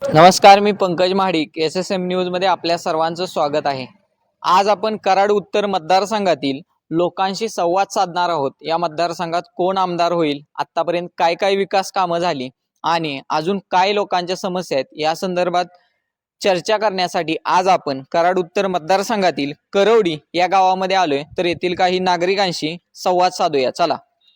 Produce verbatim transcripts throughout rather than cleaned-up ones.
नमस्कार, मी Pankaj Mahadik. S S M news मध्ये आपल्या सर्वांचं स्वागत आहे. आज आपण कराड उत्तर मतदारसंघातील लोकांशी संवाद साधणार आहोत. या मतदारसंघात कोण आमदार होईल, आतापर्यंत काय काय विकास कामं झाली आणि अजून काय लोकांच्या समस्या आहेत या संदर्भात चर्चा करण्यासाठी आज आपण कराड उत्तर मतदारसंघातील करवडी या गावामध्ये आलोय. तर येथील काही नागरिकांशी संवाद साधूया. चला.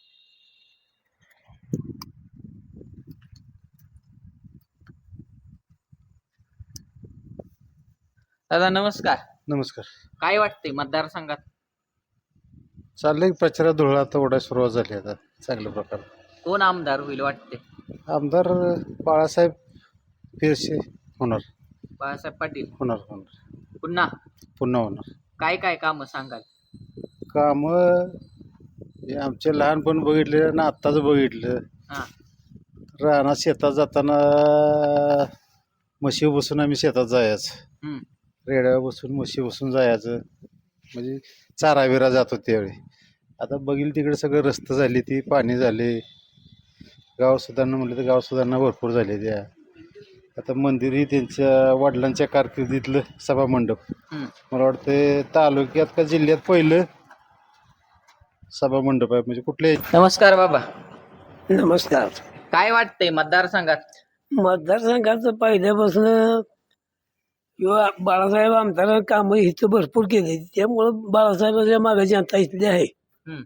दादा नमस्कार. नमस्कार. काय वाटतंय मतदारसंघात? चाललंय प्रचारात धुळा आता ओढायला सुरुवात झाली आता चांगल्या प्रकारे. कोण आमदार होईल वाटते? आमदार बाळासाहेब फिरसे होणार. बाळासाहेब पाटील होणार होणार पुन्हा पुन्हा होणार. काय काय काम सांगाल? कामं हे आमचे लहानपण बघितले ना आत्ताच बघितलं. हा रानात शेतात जाताना म्हशी बसून आम्ही शेतात जायचं. हम्म रेड्यावर बसून म्हशी बसून जायचं म्हणजे चारा बिरा जात होते त्यावेळी. आता बघील तिकडे सगळं रस्ते झाली, ती पाणी झाले. गाव सुधारणा म्हटलं तर गाव सुधारणा भरपूर झाली. त्या आता मंदिरही त्यांच्या वडिलांच्या कारकिर्दीतलं सभा मंडप हम्म मला वाटतं तालुक्यात का जिल्ह्यात पहिलं सभा मंडप आहे. म्हणजे कुठले. नमस्कार बाबा. नमस्कार. काय वाटतंय मतदारसंघात? मतदारसंघाचं पहिल्यापासून किंवा बाळासाहेब आमदार कामं इथं भरपूर केले, त्यामुळं बाळासाहेबांच्या मागे जनता इथली आहे. हम्म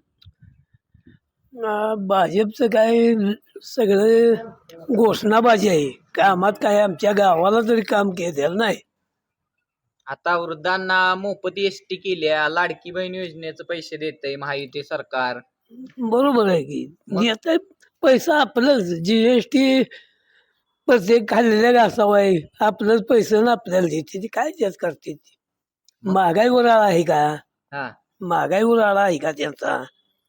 अं, भाजपचं काय सगळं घोषणाबाजी आहे. कामात काय आमच्या गावाला तरी काम केलेलं नाही. आता वृद्धांना मोफत एस टी केल्या, लाडकी बहीण योजनेचं पैसे देतंय महायुती सरकार. बरोबर आहे की येत पैसा आपलंच. जीएसटी प्रत्येक खाल्लेल्या घासावं आहे, आपलंच पैसे ना आपल्याला देते. ती काय त्याच करते ती. महागाईवर आळा आहे का? हा महागाईवर आळा आहे का त्यांचा?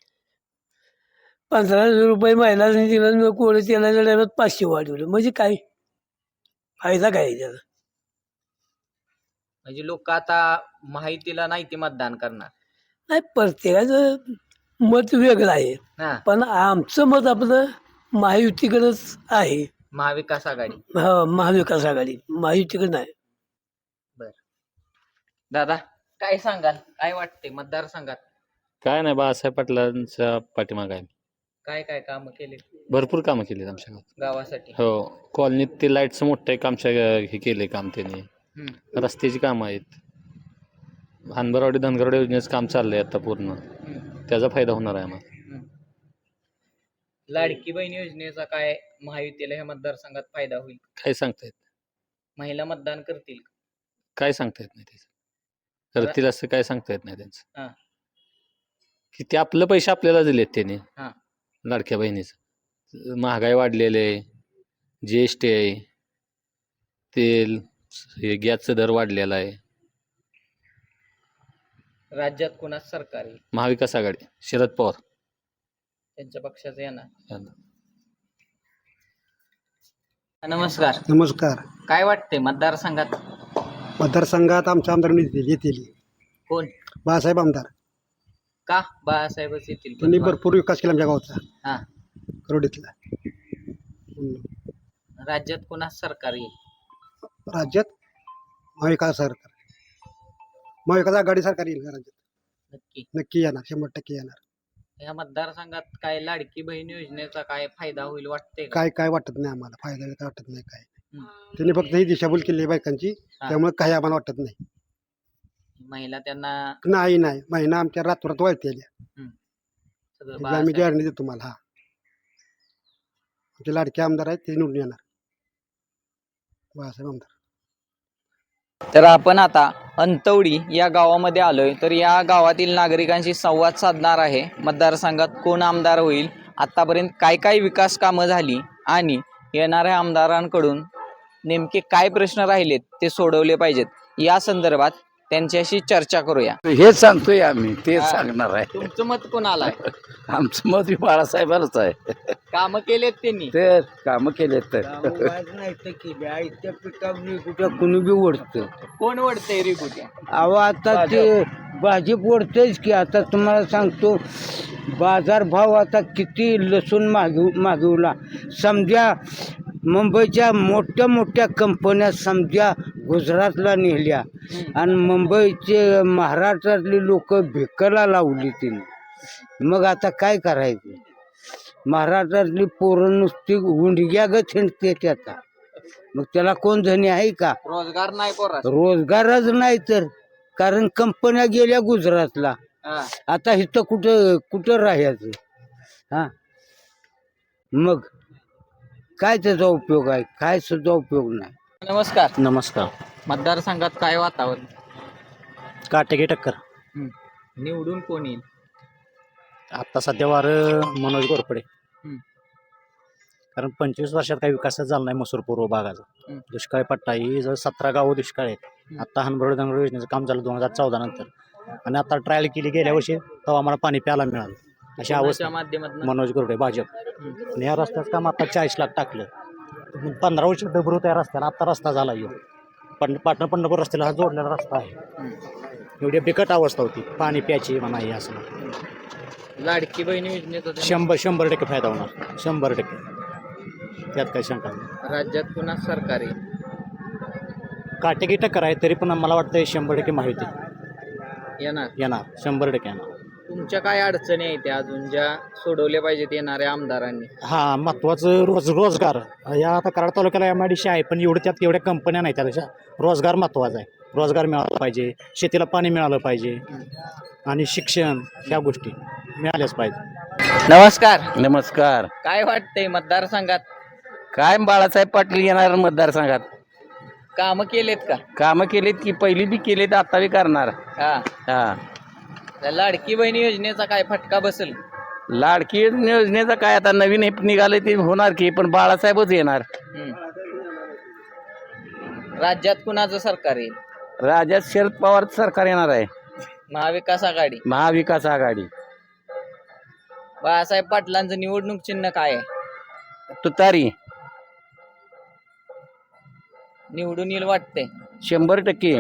पंधराशे रुपये महिला दिलं, कोणी तेलाच्या डब्यात पाचशे वाढवलं म्हणजे काय फायदा काय आहे त्याचा? म्हणजे लोक आता महायुतीला नाही ते मतदान करणार. नाही, प्रत्येकाचं मत वेगळं आहे, हा पण आमचं मत आपलं महायुतीकडेच आहे. महाविकास आघाडी. हा, महाविकास आघाडी. महायुतीकडे नाही. बर दादा काय सांगाल? काय वाटतंय मतदारसंघात? काय नाही, बाळासाहेब पाटलांच्या पाठीमागे आहे. काय काय काम केले भरपूर कामं केली आमच्या गावात. गावासाठी? हो, कॉलनीत ते लाईटचं मोठं एक आमच्या हे केले काम त्यांनी. हम्म रस्त्याची कामं आहेत. हानबरवाडी धनगरवाडी योजनेचं काम चाललंय आता पूर्ण. हम्म त्याचा फायदा होणार आहे आम्हाला. हम्म. लाडकी बहीण योजनेचा काय महायुतीला ह्या मतदारसंघात फायदा होईल? काय सांगता येत महिला मतदान करतील? काय सांगता येत नाही त्याचं. करतील असं काय सांगता येत नाही त्यांचं. हा की ते आपलं पैसे आपल्याला दिलेत त्यांनी. हा लाडक्या बहिणीचं महागाई वाढलेली आहे, जी एस टी आहे, तेल हे गॅसचा दर वाढलेला आहे. राज्यात कोणाच सरकार आहे? महाविकास आघाडी शरद पवार त्यांच्या पक्षाचं येणार. यांना. नमस्कार. नमस्कार. काय वाटतंय मतदारसंघात? मतदारसंघात आमच्या आमदार येतील कोण? बाळासाहेब आमदार. का बाळासाहेबच येतील? त्यांनी भरपूर विकास केला आमच्या गावचा, हा करोडीतला. राज्यात कोणाच सरकार येईल? राज्यात महाविकास सरकार, महाविकास आघाडी सरकार येईल राज्यात. नक्की? नक्की येणार, शंभर टक्के येणार. या मतदारसंघात काय लाडकी बहीण योजनेचा काय फायदा होईल वाटतंय का? काय काय वाटत नाही आम्हाला, फायदा काय वाटत नाही काय. हम्म. त्यांनी फक्त ही दिशाभूल केली आहे बायकांची, हा. त्यामुळे काही आम्हाला वाटत नाही. महिला त्यांना नाही नाही महिना आमच्या रातोरात वळते आल्या. सगळं आम्ही बाळासाहेब- गॅरंटी देतो तुम्हाला. हा, आमचे लाडके आमदार आहेत, ते निवडून येणार, बाळासाहेब आमदार. तर आपण आता अंतवडी या गावामध्ये आलोय. तर या गावातील नागरिकांशी संवाद साधणार आहे. मतदारसंघात कोण आमदार होईल, आतापर्यंत काय काय विकास कामं झाली आणि येणाऱ्या आमदारांकडून नेमके काय प्रश्न राहिलेत ते सोडवले पाहिजेत, या संदर्भात त्यांच्याशी चर्चा करूया. हे सांगतोय आम्ही, तेच हा. सांगणार आहे. तुमचं मत कोणाला आहे? आमचं मत बाळासाहेबांच आहे. कामं केलेत त्यांनी? ते कामं केले तर नाही तर केल्या त्या पिठावर कुठं कुणी बी ओढतं. कोण वडतंय रे कुठे? अहो आता ते भाजप ओढतेच की. आता तुम्हाला सांगतो, बाजारभाव आता किती लसूण मागव मागवला समजा मुंबईच्या मोठ्या मोठ्या कंपन्या समजा गुजरातला नेल्या आणि मुंबईचे महाराष्ट्रातली लोक भिकाला लावली तिने. मग आता काय करायचं? महाराष्ट्रातली पोरं नुसती गुंडग्यागत हिंडते त्याचा. मग त्याला कोण धनी आहे का? रोजगार नाही पोरा. रोजगारच नाही तर, कारण कंपन्या गेल्या गुजरातला. आता इथं कुठं कुठं राहायचं? हा, मग काय त्याचा उपयोग आहे? काय सुद्धा उपयोग नाही. नमस्कार. नमस्कार. मतदारसंघात काय वातावरण? काटेकी टक्कर. निवडून कोण येईल? आता सध्या वार मनोज गोरपडे. हम्म. कारण पंचवीस वर्षात काही विकासच झाला नाही मसूर पूर्व भागाचा. हम्म. दुष्काळी पट्टा ही जर सतरा गावं दुष्काळ आहेत. आता हनबरोड दंगड योजनेचं काम झालं दोन हजार चौदा नंतर, आणि आता ट्रायल केली गेल्या वर्षी तेव्हा आम्हाला पाणी प्यायला मिळालं. अशी अवस्था. माध्यमातून मनोज गोरपडे भाजप. आणि या रस्त्याचं काम आता चाळीस लाख टाकलं. पंधरा वर्ष डबरू त्या रस्त्याला, आता रस्ता झाला येऊ पण पाटण पंढरपूर रस्त्याला हा जोडलेला रस्ता आहे. एवढी बिकट अवस्था होती पाणी प्यायची म्हणा हे असं. लाडकी बहिणी योजनेचा शंभर शंभर टक्के फायदा होणार, शंभर टक्के, त्यात काही शंका नाही. राज्यात पुन्हा सरकार येईल. काटेकी टक्कर आहे तरी पण मला वाटतं शंभर टक्के माहिती येणार. येणार, शंभर टक्के येणार. तुमच्या काय अडचणी आहेत त्या अजून ज्या सोडवल्या पाहिजेत येणाऱ्या आमदारांनी? हा, महत्वाचं रोज रोजगार. या आता कराड तालुक्याला एम आय डी सी आहे पण एवढं त्यात एवढ्या कंपन्या नाही. त्यापेक्षा रोजगार महत्वाचा आहे. रोजगार मिळाला पाहिजे, शेतीला पाणी मिळालं पाहिजे, आणि शिक्षण ह्या गोष्टी मिळाल्याच पाहिजे. नमस्कार. नमस्कार. काय वाटतंय मतदारसंघात? काय बाळासाहेब पाटील येणार मतदारसंघात. कामं केलेत का? कामं केलीत की पहिली बी केलीत, आता बी करणार. हा. हा, त्या लाडकी बहिणी योजनेचा काय फटका बसेल? लाडकी योजनेचं काय आता नवीन हे निघाले ते होणार की, पण बाळासाहेबच येणार. हम्म. राज्यात कुणाचं सरकार येईल? राज्यात शरद पवार सरकार येणार आहे. महाविकास आघाडी. महाविकास आघाडी. बाळासाहेब पाटलांचं निवडणूक चिन्ह काय आहे? तुतारी. निवडून येईल वाटते? शंभर टक्के.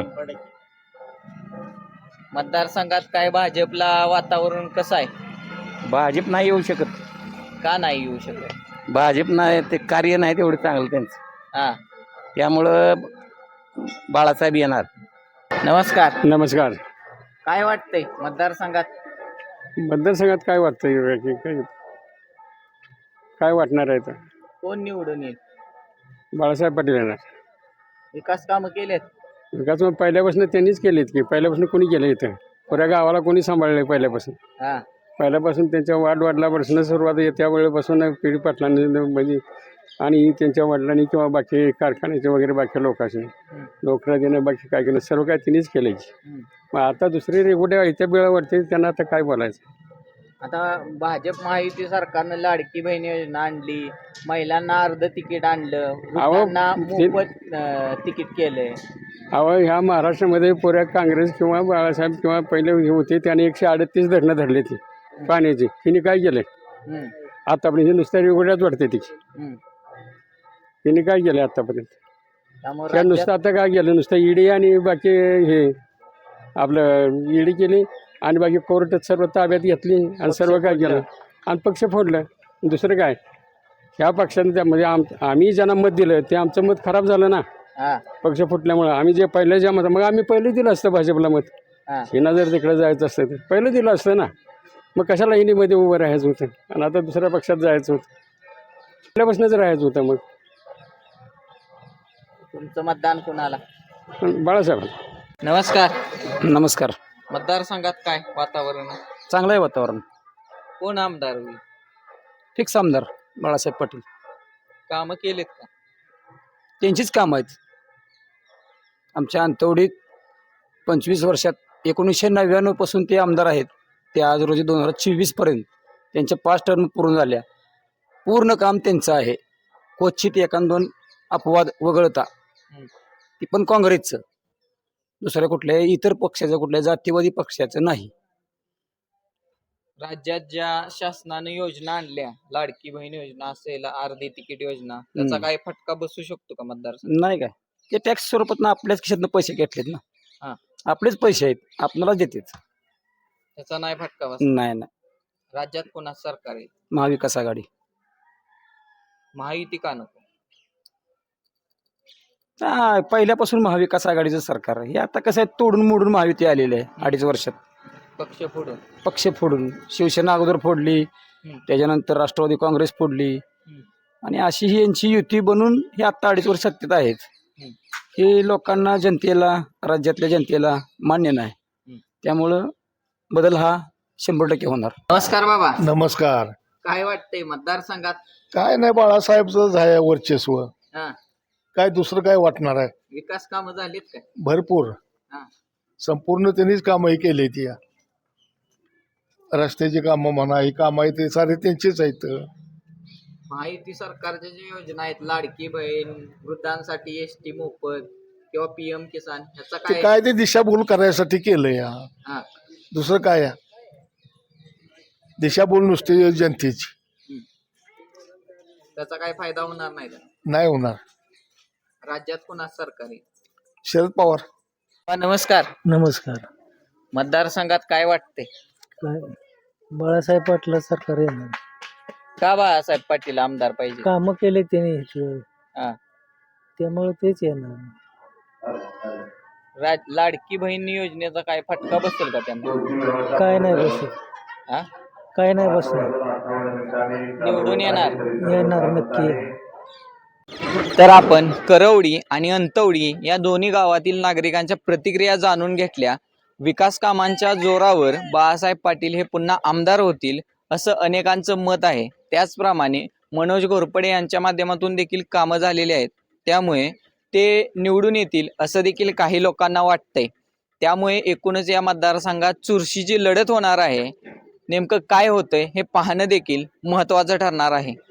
मतदारसंघात काय भाजपला वातावरण कसं आहे? भाजप नाही येऊ शकत. का नाही येऊ शकत? भाजप नाही, ते कार्य नाही तेवढं चांगलं त्यांचं. हा. त्यामुळं बाळासाहेब येणार. नमस्कार. नमस्कार. काय वाटतंय मतदारसंघात? मतदारसंघात काय वाटतंय की काय काय वाटणार आहे तर कोण निवडून येईल? बाळासाहेब पाटील येणार. विकास कामं केलेत? विकास मग पहिल्यापासून त्यांनीच केलेत की, पहिल्यापासून कोणी केलं इथं? पुऱ्या गावाला कोणी सांभाळलं पहिल्यापासून? हा. पहिल्यापासून त्यांच्या वाढ वडिलापासून सुरुवात आहे, त्या वेळेपासून पिढी पाटलांनी म्हणजे, आणि त्यांच्या वडिलांनी किंवा बाकी कारखान्याचे वगैरे बाकी लोकांनी नोकऱ्या देणं बाकी काय केलं, सर्व काय त्यांनीच केलं. मग आता दुसरी रेगोट्या इथे वेळावरती त्यांना आता काय बोलायचं? आता भाजप महायुती सरकारनं लाडकी बहीण योजना आणली, महिलांना अर्ध तिकीट आणलं, वृद्धांना मोफत अं, तिकीट केलंय. अहो, ह्या महाराष्ट्रामध्ये पुऱ्या काँग्रेस किंवा बाळासाहेब किंवा पहिले हे होते त्याने एकशे अडतीस धरणं धरले ती पाण्याची. तिने काय केलंय हम्म. आतापर्यंत? नुसत्या रेगोट्याच वाटते तिची. हम्म. तिने काय केलं आतापर्यंत? त्यामुळे त्या नुसतं आता काय केलं? नुसतं ईडी आणि बाकी हे आपलं ईडी केली आणि बाकी कोर्ट सर्व ताब्यात घेतली आणि सर्व काय केलं आणि पक्ष फोडलं. दुसरं काय? ह्या पक्षाने त्या म्हणजे आम आम्ही ज्यांना मत दिलं ते आमचं मत खराब झालं ना हा. पक्ष फुटल्यामुळं. आम्ही जे पहिलं ज्या मत मग आम्ही पहिलं दिलं असतं भाजपला मत. हा. हिना जर तिकडे जायचं असतं तर पहिलं दिलं असतं ना. मग कशाला हिनीमध्ये उभं राहायचं होतं आणि आता दुसऱ्या पक्षात जायचं होतं? पहिल्यापासूनच राहायचं होतं. मग तुमचं मतदान कुणाला? बाळासाहेब. नमस्कार. नमस्कार. मतदारसंघात काय वातावरण आहे? चांगलं आहे वातावरण. कोण आमदार होईल? फिक्स आमदार बाळासाहेब पाटील. कामं केलेत का? त्यांचीच काम आहेत. आमच्या अंतवडीत पंचवीस वर्षात एकोणीसशे नव्याण्णव पासून ते आमदार आहेत. ते आज रोजी दोन हजार चोवीस पर्यंत त्यांच्या पाच टर्म पूर्ण झाल्या. पूर्ण काम त्यांचं आहे. क्वचित एखाद दोन अपवाद वगळता, ती पण काँग्रेसचं, दुसऱ्या कुठल्याही इतर पक्षाचं, कुठल्या जातीवादी पक्षाचं नाही. राज्यात ज्या शासनाने योजना आणल्या, लाडकी बहीण योजना असेल, अर्धी तिकीट योजना, त्याचा हम्म. काय फटका बसू शकतो का मतदारसंघ? नाही काय, ते टॅक्स स्वरूपात आपल्याच खिशातनं पैसे घेतलेत हा. ना. आपलेच पैसे आहेत, आपल्याला देतात. त्याचा नाही फटका बस? नाही नाही. राज्यात कोणा सरकार आहे? महाविकास आघाडी. महायुती का नको? हा, पहिल्यापासून महाविकास आघाडीचं सरकार आहे. हे आता कसं आहे, तोडून मोडून महायुती आलेली आहे अडीच वर्षात. पक्ष फोडून पक्ष फोडून शिवसेना अगोदर फोडली, त्याच्यानंतर राष्ट्रवादी काँग्रेस फोडली, आणि अशी ही यांची युती बनून हे आत्ता अडीच वर्ष सत्तेत आहेत. हे लोकांना, जनतेला, राज्यातल्या जनतेला मान्य नाही. त्यामुळं बदल हा शंभर टक्के होणार. नमस्कार बाबा, नमस्कार. काय वाटतंय मतदारसंघात? काय नाही, बाळासाहेबच आहे वर्चस्व. हा, काय दुसरं काय वाटणार आहे? विकास कामं झालीत काय? भरपूर, हा. संपूर्ण त्यांनीच कामं ही केली ती. रस्त्याची कामं म्हणा, ही कामं आहे ते सारे त्यांचीच आहेत. महायुती सरकारच्या ज्या योजना आहेत, लाडकी बहीण, वृद्धांसाठी एस टी मोफत किंवा पीएम किसान, ह्याचा ते काय? काय ते दिशाभूल करायसाठी केलं या, हा, दुसरं काय आहे? दिशाभूल नुसती जनतेची, त्याचा काय फायदा होणार नाही का? नाही होणार. राज्यात कोणा सरकार आहे? शरद पवार. हा, नमस्कार. नमस्कार. मतदारसंघात काय वाटते? काय बाळासाहेब पाटला सरकार येणार. का बाळासाहेब पाटील आमदार पाहिजे? कामं केले त्याने हा. त्यामुळे तेच येणार. राज- लाडकी बहीण योजनेचा काय फटका बसेल का त्यांना? काय नाही बसत, हा? काय नाही बसणार. निवडून येणार? येणार नक्की. तर आपण करवडी आणि अंतवडी या दोन्ही गावातील नागरिकांच्या प्रतिक्रिया जाणून घेतल्या. विकास कामांच्या जोरावर बाळासाहेब पाटील हे पुन्हा आमदार होतील असं अनेकांचं मत आहे. त्याचप्रमाणे मनोज घोरपडे यांच्या माध्यमातून देखील कामं झालेली आहेत, त्यामुळे ते निवडून येतील असं देखील काही लोकांना वाटतंय. त्यामुळे एकूणच या मतदारसंघात चुरशीची लढत होणार आहे. नेमकं काय होतंय हे पाहणं देखील महत्त्वाचं ठरणार आहे.